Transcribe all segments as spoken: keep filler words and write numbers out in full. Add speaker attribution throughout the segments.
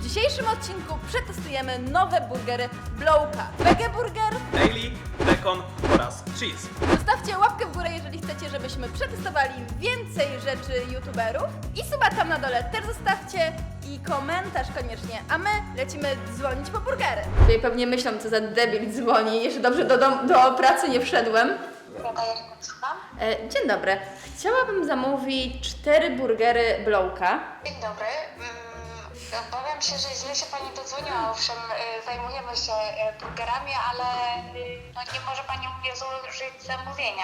Speaker 1: dzisiejszym odcinku przetestujemy nowe burgery Blowka. Wege Burger,
Speaker 2: Daily, Bacon oraz Cheese.
Speaker 1: zostawcie łapkę w górę, jeżeli chcecie, żebyśmy przetestowali więcej rzeczy youtuberów. I suba tam na dole też zostawcie i komentarz koniecznie, a my lecimy dzwonić po burgery. Tutaj pewnie myślą, co za debil dzwoni, jeszcze dobrze do, dom, do pracy nie wszedłem.
Speaker 3: Słucham?
Speaker 1: E, dzień dobry, chciałabym zamówić cztery burgery Blowka.
Speaker 3: Dzień dobry. Mm, Obawiam się, że źle się Pani dodzwoniła. Owszem, y, zajmujemy się y, burgerami, ale y, no, nie może Pani u mnie złożyć zamówienia.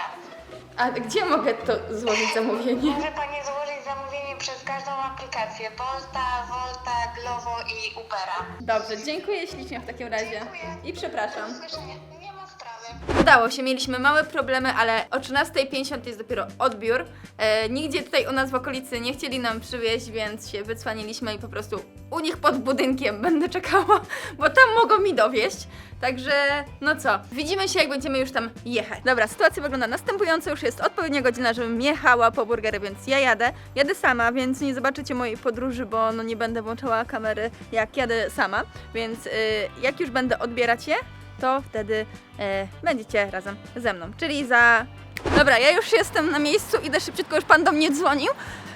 Speaker 1: A gdzie mogę to złożyć zamówienie?
Speaker 3: Może Pani złożyć zamówienie przez każdą aplikację. Bolta, Volta, Glovo i Ubera.
Speaker 1: Dobrze, dziękuję ślicznie w takim razie.
Speaker 3: Dziękuję.
Speaker 1: I przepraszam.
Speaker 3: Do usłyszenia. Nie ma sprawy.
Speaker 1: Udało się, mieliśmy małe problemy, ale o trzynastej pięćdziesiąt jest dopiero odbiór. E, nigdzie tutaj u nas w okolicy nie chcieli nam przywieźć, więc się wycwaniliśmy i po prostu u nich pod budynkiem będę czekała, bo tam mogą mi dowieść. Także, no co, widzimy się, jak będziemy już tam jechać. Dobra, sytuacja wygląda następująco, już jest odpowiednia godzina, żebym jechała po burgery, więc ja jadę. Jadę sama, więc nie zobaczycie mojej podróży, bo no nie będę włączała kamery, jak jadę sama. Więc y, jak już będę odbierać je, to wtedy e, będziecie razem ze mną. Czyli za... Dobra, ja już jestem na miejscu, idę szybciutko, już pan do mnie dzwonił.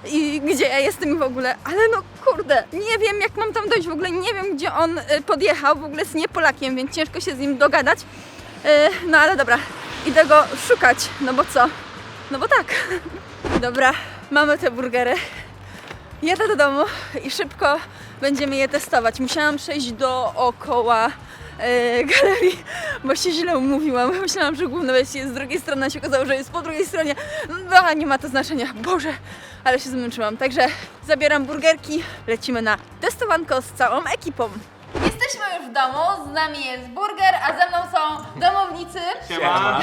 Speaker 1: I gdzie ja jestem w ogóle? Ale no kurde, nie wiem jak mam tam dojść w ogóle, nie wiem gdzie on e, podjechał, w ogóle jest nie Polakiem, więc ciężko się z nim dogadać. E, no ale dobra, idę go szukać, no bo co? No bo tak. Dobra, mamy te burgery. Jadę do domu i szybko będziemy je testować. Musiałam przejść dookoła e, galerii, bo się źle umówiłam. Myślałam, że główne wejście jest z drugiej strony, a się okazało, że jest po drugiej stronie. No, nie ma to znaczenia. Boże, ale się zmęczyłam. Także zabieram burgerki, lecimy na testowanko z całą ekipą. Jesteśmy już w domu, z nami jest burger, a ze mną są domownicy.
Speaker 2: Siema.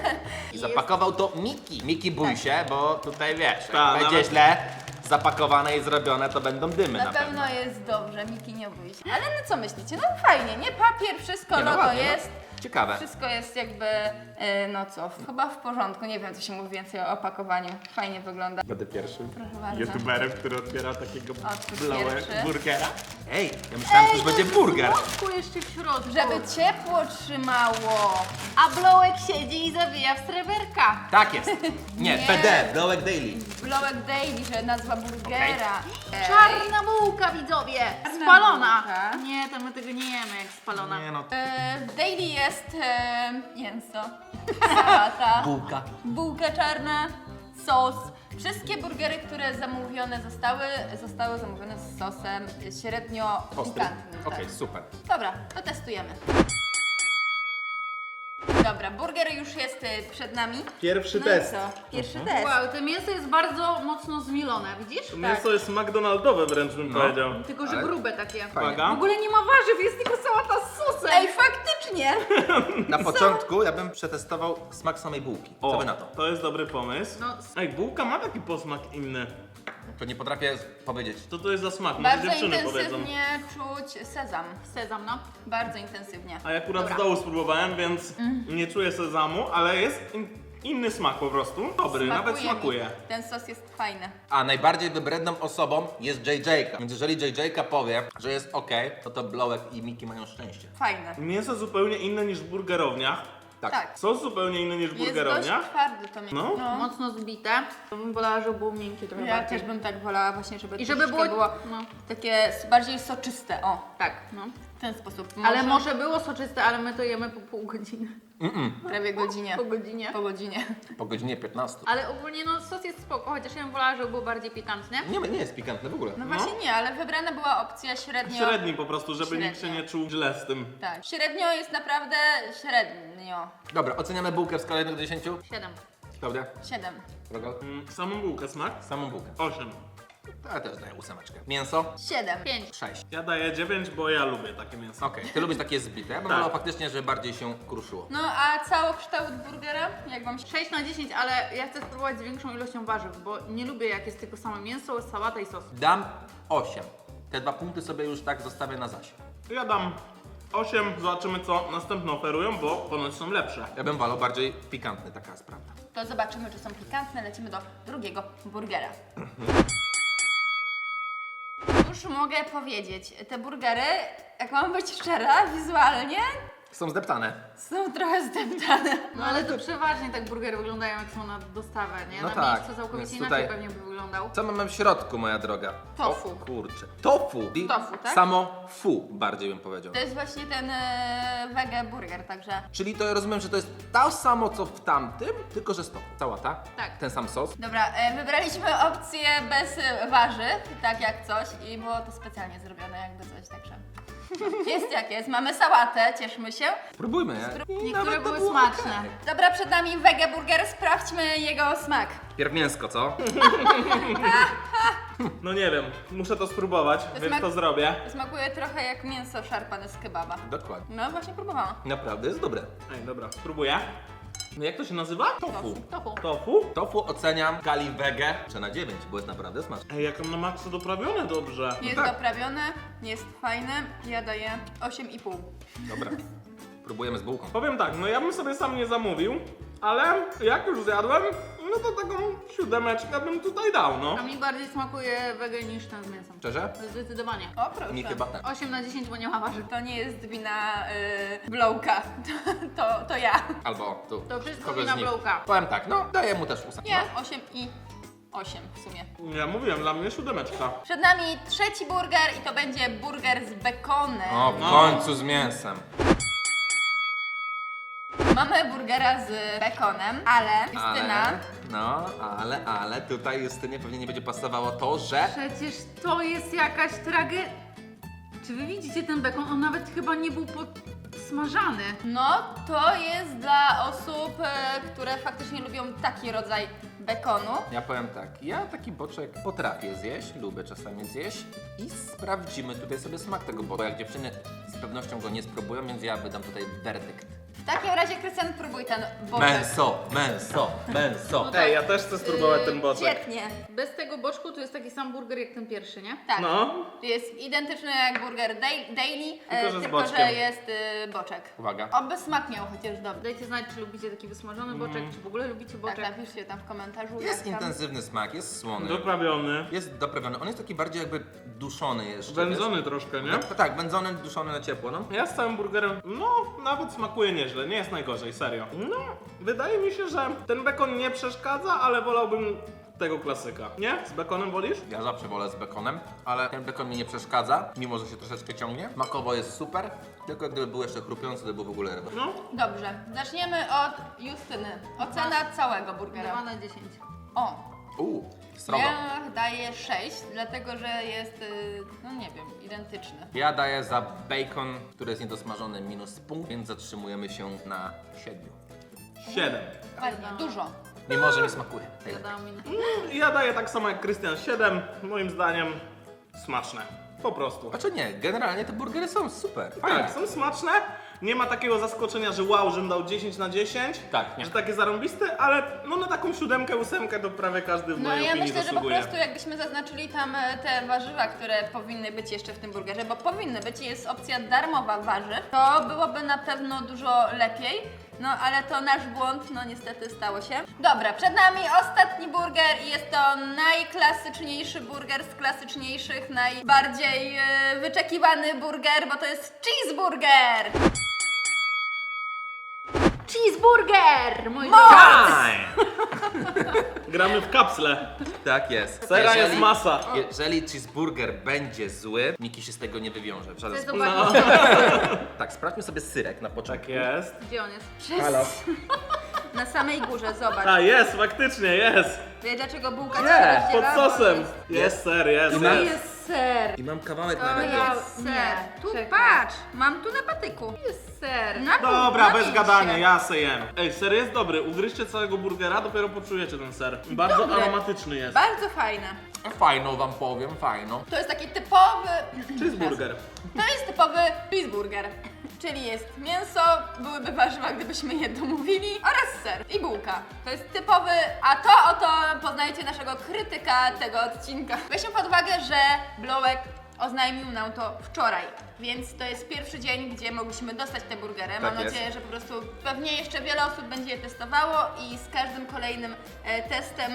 Speaker 4: I zapakował to Miki. Miki, bój się, bo tutaj wiesz,
Speaker 2: Ta,
Speaker 4: jak będzie
Speaker 2: nawet-
Speaker 4: źle zapakowane i zrobione, to będą dymy
Speaker 1: Na
Speaker 4: na,
Speaker 1: pewno jest dobrze, Miki, nie bój się. Ale no co myślicie? No fajnie, nie? Papier, wszystko,
Speaker 4: Nie, no
Speaker 1: logo
Speaker 4: ładnie, no.
Speaker 1: jest.
Speaker 4: Ciekawe.
Speaker 1: Wszystko jest jakby, e, no co, chyba w porządku. Nie wiem, co się mówi więcej o opakowaniu. Fajnie wygląda.
Speaker 2: Będę pierwszym
Speaker 1: Proszę bardzo.
Speaker 2: youtuberem, który otwiera takiego
Speaker 1: Otwórz
Speaker 2: blałe
Speaker 1: pierwszy.
Speaker 2: burgera.
Speaker 4: Ej, ja myślałem, że już będzie burger.
Speaker 5: jeszcze w środku.
Speaker 1: Żeby ciepło trzymało.
Speaker 5: A Blowek siedzi i zawija w sreberka.
Speaker 4: Tak jest. Nie,
Speaker 1: Nie.
Speaker 4: P D, Blowek Daily.
Speaker 1: Blowek Daily, że nazwa burgera. Ej.
Speaker 5: Czarna bułka, widzowie. Spalona.
Speaker 1: bułka.
Speaker 5: Nie, to my tego nie jemy jak spalona.
Speaker 4: Nie no,
Speaker 1: E, w Daily jest e, mięso, sałata,
Speaker 4: bułka.
Speaker 1: bułka czarna, sos. Wszystkie burgery, które zamówione zostały, zostały zamówione z sosem średnio
Speaker 4: Ostry.
Speaker 1: pikantnym.
Speaker 4: Okej,
Speaker 1: tak.
Speaker 4: super.
Speaker 1: Dobra, to testujemy. Dobra, burger już jest y, przed nami.
Speaker 2: Pierwszy
Speaker 1: No
Speaker 2: test.
Speaker 1: i co? Pierwszy test.
Speaker 5: Wow, to mięso jest bardzo mocno zmielone, widzisz?
Speaker 2: Mięso jest McDonaldowe wręcz bym
Speaker 4: No.
Speaker 2: powiedział.
Speaker 5: Tylko, że
Speaker 4: Ale-
Speaker 5: grube takie.
Speaker 2: Uwaga.
Speaker 5: W ogóle nie ma warzyw, jest tylko sałata z sosem.
Speaker 1: Ej, faktycznie!
Speaker 4: Na początku ja bym przetestował smak samej bułki. Co
Speaker 2: O,
Speaker 4: wy na to?
Speaker 2: to jest dobry pomysł.
Speaker 5: No.
Speaker 2: Ej, bułka ma taki posmak inny.
Speaker 4: To nie potrafię powiedzieć.
Speaker 2: Co to jest za smak? Może
Speaker 1: Bardzo
Speaker 2: dziewczyny powiedzą.
Speaker 1: intensywnie czuć sezam.
Speaker 5: Sezam, no.
Speaker 1: Bardzo intensywnie.
Speaker 2: A ja akurat
Speaker 1: Dobra.
Speaker 2: z dołu spróbowałem, więc nie czuję sezamu, ale jest in, inny smak po prostu. Dobry, nawet
Speaker 1: mi.
Speaker 2: smakuje.
Speaker 1: Ten sos jest fajny.
Speaker 4: A najbardziej wybredną osobą jest J J. Więc jeżeli J J powie, że jest ok, to to Blowek i Miki mają szczęście.
Speaker 1: Fajny.
Speaker 2: Mięso zupełnie inne niż w burgerowniach.
Speaker 4: Tak.
Speaker 1: Tak.
Speaker 2: Sos zupełnie inny niż w
Speaker 1: Jest dość
Speaker 2: burgerowniach.
Speaker 1: twardy to mięso.
Speaker 2: No.
Speaker 5: Mocno zbite. To bym wolała, żeby było miękkie trochę
Speaker 1: Ja
Speaker 5: bardziej.
Speaker 1: też bym tak wolała właśnie, żeby
Speaker 5: I żeby
Speaker 1: troszeczkę
Speaker 5: było-
Speaker 1: było
Speaker 5: no.
Speaker 1: takie s- bardziej soczyste. O,
Speaker 5: Tak, no.
Speaker 1: w ten sposób.
Speaker 5: Ale może było soczyste, ale my to jemy po pół godziny.
Speaker 1: prawie godzinie.
Speaker 5: Po godzinie.
Speaker 1: Po godzinie.
Speaker 4: Po godzinie piętnastej.
Speaker 5: Ale ogólnie no sos jest spoko, chociaż ja bym wolała, żeby był bardziej pikantny.
Speaker 4: Nie, nie jest pikantne w ogóle.
Speaker 1: No właśnie nie, ale wybrana była opcja średnio.
Speaker 2: Średni po prostu, żeby nikt się
Speaker 1: Średnio.
Speaker 2: nie czuł źle z tym.
Speaker 1: Tak. Średnio jest naprawdę średnio.
Speaker 4: Dobra, oceniamy bułkę w skali jeden do dziesięciu.
Speaker 5: Siedem.
Speaker 4: Klaudia?
Speaker 1: Siedem.
Speaker 4: Drogo?
Speaker 2: Mm, Samą bułkę smak?
Speaker 4: Samą bułkę.
Speaker 2: osiem.
Speaker 4: To ja też daję ósemeczkę. Mięso?
Speaker 1: Siedem.
Speaker 5: Pięć.
Speaker 4: sześć.
Speaker 2: Ja daję dziewięć, bo ja lubię takie mięso.
Speaker 4: Okej, ty lubisz takie zbite, bo
Speaker 2: Tak.
Speaker 4: wolał faktycznie, żeby bardziej się kruszyło.
Speaker 1: No a całokształt burgera? Jak wam się...
Speaker 5: sześć na dziesięć, ale ja chcę spróbować z większą ilością warzyw, bo nie lubię jak jest tylko samo mięso, sałata i sos.
Speaker 4: Dam osiem. Te dwa punkty sobie już tak zostawię na zaś.
Speaker 2: Ja dam osiem, zobaczymy co następne oferują, bo ponoć są lepsze.
Speaker 4: Ja bym wolał bardziej pikantny, taka jest prawda.
Speaker 1: To zobaczymy, czy są pikantne. Lecimy do drugiego burgera. Już mogę powiedzieć, te burgery, jak mam być szczera, wizualnie
Speaker 4: Są zdeptane.
Speaker 1: są trochę zdeptane.
Speaker 5: No ale to przeważnie tak burgery wyglądają jak są na dostawę, nie?
Speaker 4: No
Speaker 5: na
Speaker 4: tak,
Speaker 5: miejscu całkowicie
Speaker 4: więc
Speaker 5: inaczej
Speaker 4: tutaj-
Speaker 5: pewnie by wyglądał.
Speaker 4: Co mamy w środku, moja droga?
Speaker 1: Tofu.
Speaker 4: O kurczę. Tofu. I
Speaker 1: Tofu, tak?
Speaker 4: Samo fu, bardziej bym powiedział.
Speaker 1: To jest właśnie ten e, wege burger, także
Speaker 4: Czyli to ja rozumiem, że to jest to samo, co w tamtym, tylko że z tofu. Sałata?
Speaker 5: Tak.
Speaker 4: Ten sam sos?
Speaker 1: dobra, e, wybraliśmy opcję bez e, warzyw, tak jak coś i było to specjalnie zrobione jakby coś, także jest jak jest. Mamy sałatę, cieszmy się.
Speaker 4: Spróbujmy, nie? I
Speaker 5: Niektóre
Speaker 4: nawet to
Speaker 5: były
Speaker 4: było
Speaker 5: smaczne.
Speaker 4: okej.
Speaker 1: Dobra, przed nami wege burger, sprawdźmy jego smak.
Speaker 4: Pierw mięsko, co?
Speaker 2: No nie wiem, muszę to spróbować, więc
Speaker 1: smak-
Speaker 2: to zrobię.
Speaker 1: Smakuje trochę jak mięso szarpane z kebaba.
Speaker 4: Dokładnie.
Speaker 1: No właśnie próbowałam.
Speaker 4: Naprawdę jest dobre.
Speaker 2: Ej, dobra, spróbuję. No jak to się nazywa?
Speaker 4: Tofu.
Speaker 5: Tofu.
Speaker 2: Tofu?
Speaker 4: Tofu oceniam w skali wege czy na dziewięć, bo jest naprawdę smaczne.
Speaker 2: Ej, jak on na maksa doprawione dobrze.
Speaker 1: Jest
Speaker 4: tak.
Speaker 1: doprawione, jest fajne, ja daję osiem i pół.
Speaker 4: Dobra. Próbujemy z bułką.
Speaker 2: Powiem tak, no ja bym sobie sam nie zamówił, ale jak już zjadłem, no to taką siódemeczkę bym tutaj dał, no.
Speaker 5: A mi bardziej smakuje wege niż ten z mięsem.
Speaker 4: Szczerze?
Speaker 5: Zdecydowanie.
Speaker 1: O proszę.
Speaker 4: Mi chyba tak.
Speaker 5: osiem na dziesięć, bo nie ma warzyw.
Speaker 1: To nie jest wina y, Blowka, to, to, to ja.
Speaker 4: Albo tu.
Speaker 5: To wszystko
Speaker 4: kogoś
Speaker 5: wina
Speaker 4: z nich.
Speaker 5: Blowka.
Speaker 4: Powiem tak, no daję mu też ósem.
Speaker 1: Nie, osiem i osiem w sumie.
Speaker 2: Ja mówiłem, dla mnie siódemeczka.
Speaker 1: Przed nami trzeci burger i to będzie burger z bekonem.
Speaker 4: No. O, w
Speaker 2: No.
Speaker 4: końcu z mięsem.
Speaker 1: Mamy burgera z bekonem, ale Justyna,
Speaker 4: Ale, no, ale, ale tutaj Justynie pewnie nie będzie pasowało to, że...
Speaker 5: Przecież to jest jakaś tragedia. Czy wy widzicie ten bekon? On nawet chyba nie był podsmażany.
Speaker 1: no to jest dla osób, e, które faktycznie lubią taki rodzaj bekonu.
Speaker 4: Ja powiem tak, ja taki boczek potrafię zjeść, lubię czasami zjeść i sprawdzimy tutaj sobie smak tego, bo jak dziewczyny z pewnością go nie spróbują, więc ja wydam tutaj werdykt.
Speaker 1: W takim razie, Krystian, próbuj ten boczek.
Speaker 4: Męso, męso, męso.
Speaker 2: Ej, ja też chcę spróbować ten boczek.
Speaker 1: Świetnie.
Speaker 5: Bez tego boczku to jest taki sam burger jak ten pierwszy, nie?
Speaker 1: Tak.
Speaker 2: No.
Speaker 1: Jest identyczny jak burger dai- daily, e,
Speaker 2: Tylko, że z
Speaker 1: tylko że
Speaker 2: boczkiem.
Speaker 1: jest y, boczek.
Speaker 4: Uwaga.
Speaker 1: Oby smak miał chociaż dobry.
Speaker 5: Dajcie znać, czy lubicie taki wysmażony boczek, czy w ogóle lubicie
Speaker 1: Tak,
Speaker 5: boczek.
Speaker 1: napiszcie tam w komentarzu.
Speaker 4: Jest
Speaker 1: jak tam.
Speaker 4: intensywny smak, jest słony.
Speaker 2: Doprawiony.
Speaker 4: Jest doprawiony, on jest taki bardziej jakby duszony jeszcze.
Speaker 2: Wędzony
Speaker 4: wiesz?
Speaker 2: troszkę, nie?
Speaker 4: No, tak, wędzony, duszony na ciepło, no.
Speaker 2: Ja z całym burgerem, no nawet smakuje nieźle, nie jest najgorzej, serio. No, wydaje mi się, że ten bekon nie przeszkadza, ale wolałbym tego klasyka. Nie? Z bekonem wolisz?
Speaker 4: Ja zawsze wolę z bekonem, ale ten bekon mi nie przeszkadza, mimo że się troszeczkę ciągnie. Smakowo jest super, tylko gdyby był jeszcze chrupiący, to by w ogóle ryba.
Speaker 2: No.
Speaker 1: Dobrze, zaczniemy od Justyny. Ocena całego burgera.
Speaker 5: dwa na dziesięć.
Speaker 1: O,
Speaker 4: Uuu, srogo.
Speaker 1: ja daję sześć, dlatego że jest, y, no nie wiem, identyczny.
Speaker 4: Ja daję za bacon, który jest niedosmażony, minus punkt, więc zatrzymujemy się na siedmiu.
Speaker 2: Siedem.
Speaker 1: Ładnie, dużo.
Speaker 4: Mimo, że mi smakuje.
Speaker 5: Ja dałam minę.
Speaker 2: Ja daję tak samo jak Krystian, siedem. Moim zdaniem smaczne. Po prostu.
Speaker 4: Znaczy nie, generalnie te burgery są super, fajne.
Speaker 2: Tak, są smaczne. Nie ma takiego zaskoczenia, że wow, żebym dał dziesięć na dziesięć.
Speaker 4: Tak, nie.
Speaker 2: Że takie zarąbiste, ale no na taką siódemkę, ósemkę to prawie każdy w
Speaker 1: No
Speaker 2: mojej
Speaker 1: ja
Speaker 2: opinii
Speaker 1: myślę, że po
Speaker 2: zasługuje.
Speaker 1: prostu jakbyśmy zaznaczyli tam e, te warzywa, które powinny być jeszcze w tym burgerze, bo powinny być, jest opcja darmowa warzyw, to byłoby na pewno dużo lepiej. No ale to nasz błąd, no niestety stało się. Dobra, przed nami ostatni burger i jest to najklasyczniejszy burger z klasyczniejszych, najbardziej e, wyczekiwany burger, bo to jest cheeseburger!
Speaker 5: Cheeseburger! Mój
Speaker 4: Time!
Speaker 2: Gramy w kapsle.
Speaker 4: Tak jest.
Speaker 2: Sera jest
Speaker 4: Jeżeli-
Speaker 2: masa.
Speaker 4: Jeżeli cheeseburger będzie zły, Miki się z tego nie wywiąże w żaden
Speaker 5: Chcę
Speaker 4: sposób.
Speaker 5: zobaczyć,
Speaker 4: Tak, sprawdźmy sobie syrek na
Speaker 2: Tak
Speaker 4: początku.
Speaker 2: jest.
Speaker 5: gdzie on jest.
Speaker 4: Halo.
Speaker 1: Na samej górze, zobacz.
Speaker 2: A jest, faktycznie jest.
Speaker 1: Wiesz dlaczego bułka
Speaker 4: Nie,
Speaker 1: się
Speaker 2: Pod
Speaker 1: rozdziela? Bo
Speaker 2: sosem.
Speaker 1: jest-
Speaker 2: Jest ser, jest.
Speaker 5: To
Speaker 2: jest.
Speaker 5: jest ser.
Speaker 4: I mam kawałek
Speaker 5: To
Speaker 4: nawet.
Speaker 5: ja-
Speaker 1: Jest ser.
Speaker 5: Nie,
Speaker 1: Tu
Speaker 5: czekaj.
Speaker 1: patrz, mam tu na patyku.
Speaker 5: Jest ser.
Speaker 1: Na pół,
Speaker 2: Dobra,
Speaker 1: na
Speaker 2: bez
Speaker 1: pięć
Speaker 2: gadania,
Speaker 1: się.
Speaker 2: ja se jem. Ej, ser jest dobry. Ugryźcie całego burgera, dopiero poczujecie ten ser. Bardzo
Speaker 1: Dobry.
Speaker 2: aromatyczny jest.
Speaker 1: Bardzo fajne.
Speaker 4: Fajną wam powiem, fajną.
Speaker 1: To jest taki typowy...
Speaker 2: Cheeseburger.
Speaker 1: To jest typowy cheeseburger. Czyli jest mięso, byłyby warzywa, gdybyśmy je domówili, oraz ser i bułka. To jest typowy, a to oto poznajecie naszego krytyka tego odcinka. Weźmy pod uwagę, że Blowek oznajmił nam to wczoraj, więc to jest pierwszy dzień, gdzie mogliśmy dostać te burgery. Mam
Speaker 4: jest.
Speaker 1: nadzieję, że po prostu pewnie jeszcze wiele osób będzie je testowało i z każdym kolejnym e, testem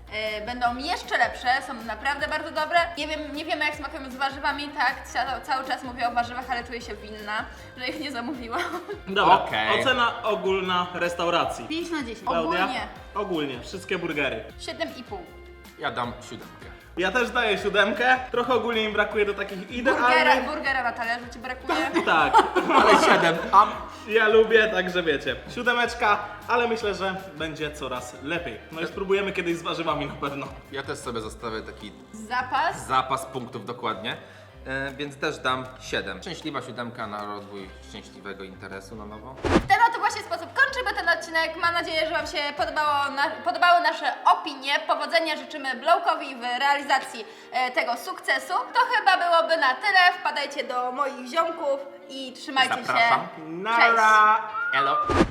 Speaker 1: e, będą jeszcze lepsze, są naprawdę bardzo dobre. Nie wiem, nie wiemy jak smakują z warzywami, tak, ca cały czas mówię o warzywach, ale czuję się winna, że ich nie zamówiłam.
Speaker 2: Dobra,
Speaker 4: Okej.
Speaker 2: ocena ogólna restauracji.
Speaker 5: pięć na dziesięć.
Speaker 2: Klaudia?
Speaker 1: Ogólnie
Speaker 2: Ogólnie, wszystkie burgery.
Speaker 1: siedem i pół.
Speaker 4: Ja dam siódemkę.
Speaker 2: Ja też daję siódemkę. Trochę ogólnie mi brakuje do takich
Speaker 1: Burgera,
Speaker 2: idealnych.
Speaker 1: burgera na talerzu ci brakuje.
Speaker 2: Tak,
Speaker 4: Ale siedem. A
Speaker 2: ja lubię, także wiecie. Siódemeczka, ale myślę, że będzie coraz lepiej. No i spróbujemy kiedyś z warzywami na pewno.
Speaker 4: ja też sobie zostawię taki
Speaker 1: Zapas.
Speaker 4: zapas punktów dokładnie. E, więc też dam siedem. Szczęśliwa siódemka na rozwój szczęśliwego interesu na nowo.
Speaker 1: W ten oto właśnie sposób kończymy ten odcinek. Mam nadzieję, że Wam się podobało na, podobały nasze opinie. Powodzenia życzymy Blowkowi w realizacji e, tego sukcesu. To chyba byłoby na tyle. Wpadajcie do moich ziomków i trzymajcie
Speaker 4: Zapraszam.
Speaker 1: się. Cześć!
Speaker 2: Nara!
Speaker 4: Elo.